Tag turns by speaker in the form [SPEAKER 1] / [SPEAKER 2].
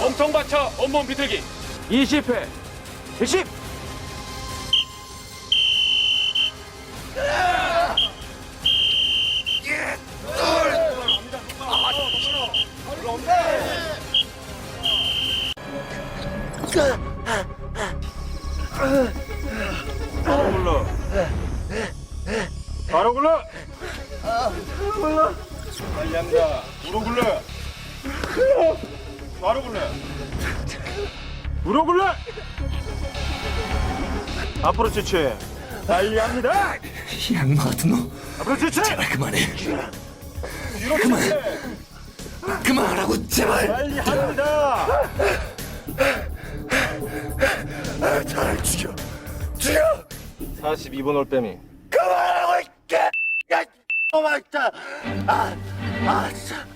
[SPEAKER 1] 엄청 받쳐 온몸 비틀기
[SPEAKER 2] 20회 20.
[SPEAKER 1] 바로 굴러 바로 굴러 빨리 합니다 무릎 굴러 바로 굴러 무릎 굴러 앞으로 지치 빨리 합니다
[SPEAKER 3] 이 악마 같은 놈,
[SPEAKER 1] 앞으로 지치
[SPEAKER 3] 제발 그만해.
[SPEAKER 1] 뒤로
[SPEAKER 3] 그만.
[SPEAKER 1] 지치
[SPEAKER 3] 그만하라고 제발.
[SPEAKER 1] 빨리 합니다
[SPEAKER 3] 잘 죽여. 죽여.
[SPEAKER 1] 42번 올빼미
[SPEAKER 3] 그만하고 있게. 야, 이 놈아 진짜. 진짜.